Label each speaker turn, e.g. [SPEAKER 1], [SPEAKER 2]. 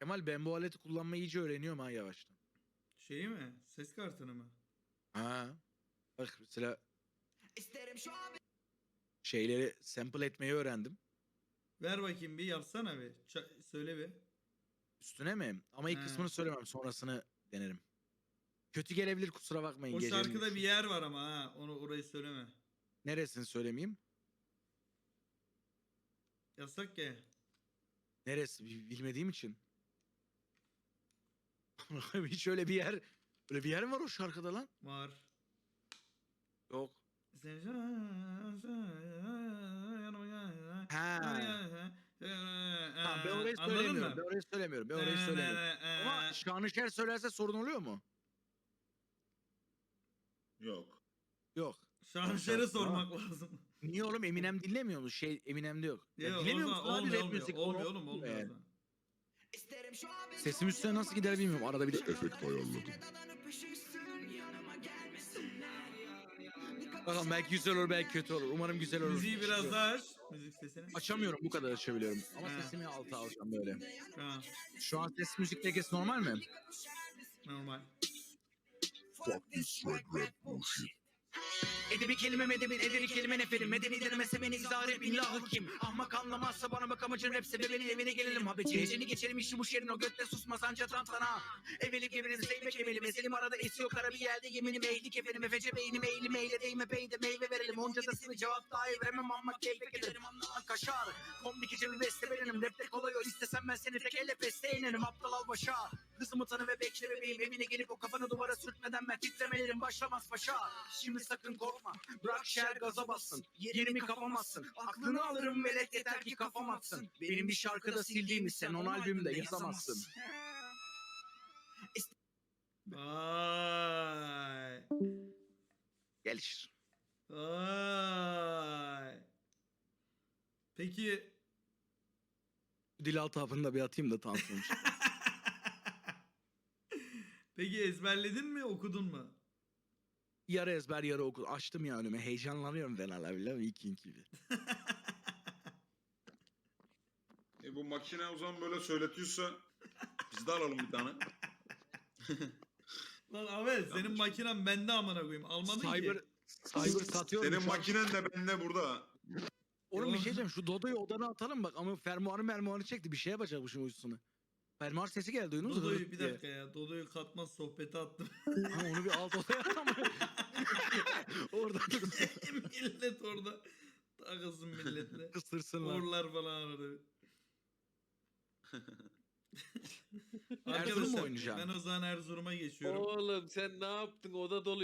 [SPEAKER 1] Kemal ben bu aleti kullanmayı iyice öğreniyorum ha yavaştan.
[SPEAKER 2] Şeyi mi? Ses kartını mı?
[SPEAKER 1] Ha. Bak mesela şeyleri sample etmeyi öğrendim.
[SPEAKER 2] Ver bakayım bir yapsana bir. Söyle bir.
[SPEAKER 1] Üstüne mi? Ama ilk
[SPEAKER 2] He.
[SPEAKER 1] kısmını söylemem. Sonrasını denerim. Kötü gelebilir kusura bakmayın
[SPEAKER 2] O
[SPEAKER 1] gecenin
[SPEAKER 2] şarkıda bir
[SPEAKER 1] üçü.
[SPEAKER 2] yer var ama ha. Orayı söyleme.
[SPEAKER 1] Neresini söylemeyeyim?
[SPEAKER 2] Yasak ya.
[SPEAKER 1] Neresi bilmediğim için. Hiç öyle bir yer. Öyle bir yer mi var o şarkıda lan?
[SPEAKER 2] Var.
[SPEAKER 1] Yok.
[SPEAKER 2] Sen
[SPEAKER 1] Ha. Tamam ben orayı
[SPEAKER 2] Anladın
[SPEAKER 1] söylemiyorum. Ben
[SPEAKER 2] mı?
[SPEAKER 1] orayı söylemiyorum. Ben orayı söylemiyorum. Ama Şanışer söylerse sorun oluyor mu?
[SPEAKER 3] Yok.
[SPEAKER 1] Yok.
[SPEAKER 2] Şanışer'e sormak lazım.
[SPEAKER 1] Niye oğlum Eminem dinlemiyor mu? Şey Eminem'de yok. Ya
[SPEAKER 2] Yok,
[SPEAKER 1] dinlemiyor
[SPEAKER 2] o
[SPEAKER 1] musun
[SPEAKER 2] zaman
[SPEAKER 1] abi
[SPEAKER 2] olmuyor,
[SPEAKER 1] rap
[SPEAKER 2] olmuyor.
[SPEAKER 1] müzik?
[SPEAKER 2] Olmuyor oğlum, olmuyor.
[SPEAKER 1] Yani.
[SPEAKER 2] O zaman.
[SPEAKER 1] Sesim üstüne nasıl gider bilmiyorum. Arada bir de
[SPEAKER 3] Efekt ayarladım.
[SPEAKER 1] bakalım belki güzel olur belki kötü olur. Umarım güzel olur.
[SPEAKER 2] Müziği biraz daha aç. Müzik sesini.
[SPEAKER 1] Açamıyorum bu kadar açabiliyorum. Ama
[SPEAKER 2] Ha.
[SPEAKER 1] sesimi alta alacağım böyle.
[SPEAKER 2] Ha,
[SPEAKER 1] Şu an ses müzik dengesi normal mi?
[SPEAKER 2] normal.
[SPEAKER 3] Fuck this swag rap bullshit.
[SPEAKER 1] Edebi kelime medebin, ederi kelime neferim. Medebi denemese beni izah et billahı kim? Ahmak anlamazsa bana bak amacın rap sebebini evine gelelim habeci. Heceni geçelim işi bu şerin o götte susmaz anca tantana. Eveli gevriniz zeybek emeli meselim arada esiyor kara bir yerde yeminim ehlik efendim. Efece beynim eğilim eyle değme peyde meyve verelim. Onca da sıvı cevap daha veremem ama keyfek ederim anlamak kaşar. Komdik bir beste benim rapte kolay o istesem ben seni tek elle peste inerim aptal al başa. Hızımı tanı ve bekle bebeğim evine gelip o kafanı duvara sürtmeden ben titremelerim başlamaz paşa. Şimdi sakın korkma bırak şer gaza bassın yerimi kapamazsın. Aklını alırım velet yeter ki kafam atsın. Benim bir şarkıda sildiğimi sen on albümde yazamazsın.
[SPEAKER 2] Vay.
[SPEAKER 1] Gelişir.
[SPEAKER 2] Vay. Peki
[SPEAKER 1] Dilaltı hapını da bir atayım da tansiyon çıksın.
[SPEAKER 2] peki ezberledin mi, okudun mu?
[SPEAKER 1] Yarı ezber yarı okul. Açtım ya önüme. Heyecanlanıyorum ben hala biliyor musun? İlk gibi.
[SPEAKER 3] Bu makine o zaman böyle söyletiyorsa biz de alalım bir tane.
[SPEAKER 2] Lan Ahmet senin makinen bende amına koyayım. Almadın
[SPEAKER 1] Cyber,
[SPEAKER 2] ki.
[SPEAKER 1] cyber satıyorum.
[SPEAKER 3] Senin
[SPEAKER 1] şu an.
[SPEAKER 3] makinen de bende burada.
[SPEAKER 1] Oğlum bir
[SPEAKER 2] Yok.
[SPEAKER 1] şey diyeceğim. Şu Dodo'yu odana atalım bak. Ama fermuarı çekti. Bir şeye yapacakmışım uysunu. Fermuar sesi geldi. Duydunuz mu?
[SPEAKER 2] Dodo'yu
[SPEAKER 1] Hırt
[SPEAKER 2] bir
[SPEAKER 1] diye.
[SPEAKER 2] dakika ya. Dodo'yu katmaz sohbete attım.
[SPEAKER 1] Ha, onu bir alt odaya atalım. Orada
[SPEAKER 2] Millet orada takılsın milletle.
[SPEAKER 1] kısırsınlar.
[SPEAKER 2] Orlar falan aradı.
[SPEAKER 1] Erzurum mu
[SPEAKER 2] Arkadaşlar
[SPEAKER 1] oynayacaksın?
[SPEAKER 2] ben o zaman Erzurum'a geçiyorum.
[SPEAKER 4] Oğlum sen ne yaptın? Oda dolu.